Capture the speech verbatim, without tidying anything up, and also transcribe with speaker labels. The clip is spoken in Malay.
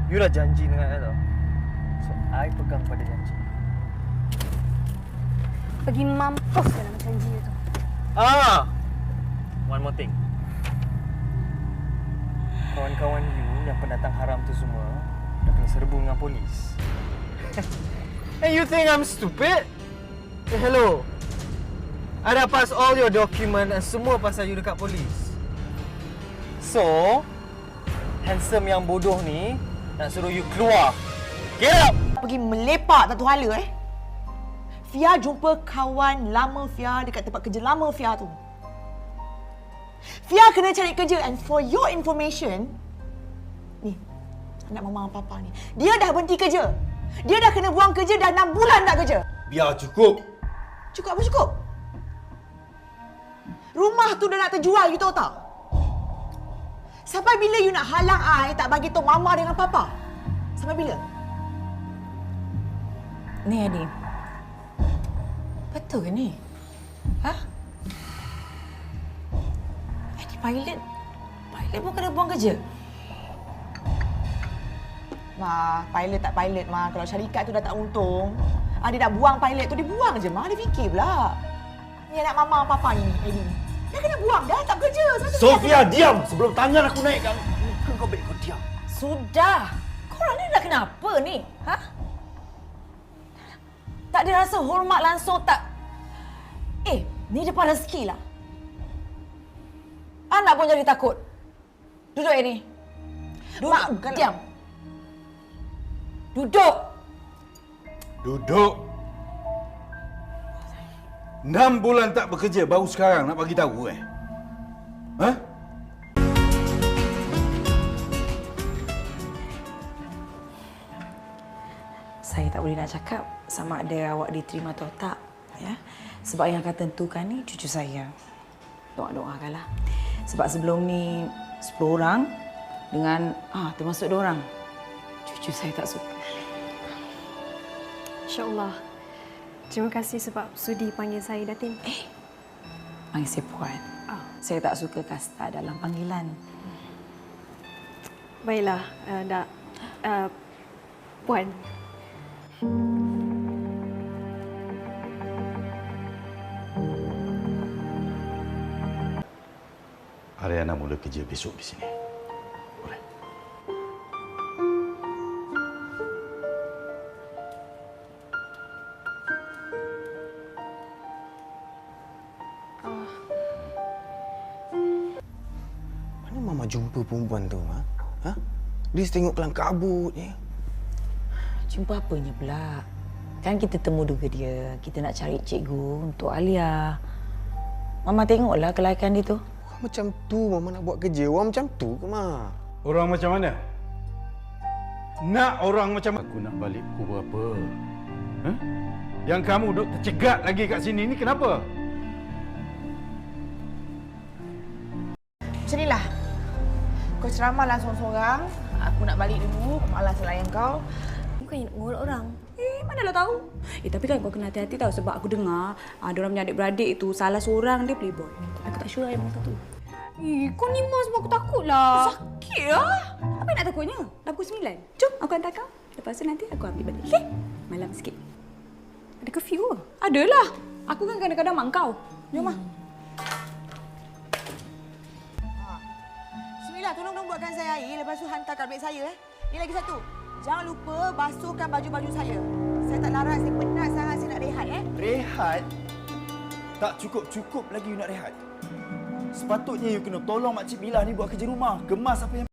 Speaker 1: You dah janji dengan I tau. So, I pegang pada janji.
Speaker 2: Pergi mampus dalam janji tu.
Speaker 1: Ah! One more thing. Kawan-kawan you yang pendatang haram tu semua dah kena serbu dengan polis. And you think I'm stupid? Hey, hello. I dah pass all your document and semua pasal you dekat polis. So, handsome yang bodoh ni nak suruh you keluar. Get out!
Speaker 3: Pergi melepak tak tahu hala eh. Fia jumpa kawan lama Fia dekat tempat kerja lama Fia tu. Fia kena cari kerja and for your information, ni, anak mama dan papa ni, dia dah berhenti kerja. Dia dah kena buang kerja dah enam bulan tak kerja.
Speaker 4: Biar cukup.
Speaker 3: Cukup apa cukup? Rumah tu dah nak terjual, you tahu tak? Sampai bila you nak halang I tak bagi tahu mama dengan papa? Sampai bila?
Speaker 5: Ni Adi, betul ke ni? Ha? Adi pilot, pilot pun kena buang kerja?
Speaker 3: Ma, pilot tak pilot, Ma. Kalau syarikat tu dah tak untung, ah, dia dah buang pilot tu, dia buang je, Ma. Dia fikir pula. Ni anak mama papa ni, Eddie ni. Dia kena buang dah, tak kerja.
Speaker 4: Sofia, diam! Sebelum tangan aku naik kan. Kau baik kau diam.
Speaker 5: Sudah! Korang ni dah kenapa ni? Ha? Tak ada rasa hormat langsung tak? Eh, ni depan rezeki lah. Anak pun jadi takut. Duduk Eddie. Duduk,
Speaker 3: Mak, kalau-
Speaker 5: diam. Duduk!
Speaker 4: Duduk. Enam bulan tak bekerja, baru sekarang nak bagi tahu eh? Ha?
Speaker 5: Saya tak boleh nak cakap sama ada awak diterima atau tak. Ya? Sebab yang akan tentukan ni cucu saya. Doa-doakanlah. Sebab sebelum ni sepuluh orang dengan, ah termasuk dua orang. Cucu saya tak suka.
Speaker 2: InsyaAllah. Terima kasih sebab sudi panggil saya Datin.
Speaker 5: Eh, panggil saya Puan.
Speaker 2: Oh.
Speaker 5: Saya tak suka kasta dalam panggilan.
Speaker 2: Baiklah, uh, dak. Uh, Puan.
Speaker 4: Ariana mula kerja besok di sini. Boleh?
Speaker 1: Mana Mama jumpa perempuan tu, ha? Ha? Dia tengok kelang kabut je.
Speaker 5: Jumpa apanya pula? Kan kita temu duga dia. Kita nak cari cikgu untuk Alia. Mama tengoklah kelayakan dia tu.
Speaker 1: Orang macam tu Mama nak buat kerja. Orang macam tu ke, Ma?
Speaker 4: Orang macam mana? Nak orang macam aku nak balik pukul berapa? Ha? Yang kamu duduk tercegat lagi kat sini ni kenapa?
Speaker 3: Macam inilah. Kau ceramahlah seorang-seorang. Aku nak balik dulu. Aku malas layan kau.
Speaker 2: Bukannya nak ngolok orang.
Speaker 6: Eh, manalah tahu. Eh, tapi kan kau kena hati-hati tahu sebab aku dengar ah, diorang punya adik-beradik itu salah seorang dia playboy. Aku tak sure yang mana satu. Eh, kau ni mas sebab aku takutlah. Sakit lah. Apa yang nak takutnya? Dah pukul sembilan. Jom, aku hantar kau. Lepas tu nanti aku ambil balik. Okey? Malam sikit. Ada curfew ke? Adalah. Aku kan kadang-kadang mak kau. Jom ah.
Speaker 3: Bismillah, tolong dong buatkan saya air. Lepas tu hantar kat beg saya. Eh. Ni lagi satu. Jangan lupa basuhkan baju-baju saya. Saya tak larat, saya penat sangat, saya nak rehat. Eh.
Speaker 4: Rehat? Tak cukup-cukup lagi you nak rehat. Sepatutnya you kena tolong Makcik Milah ni buat kerja rumah. Kemas apa yang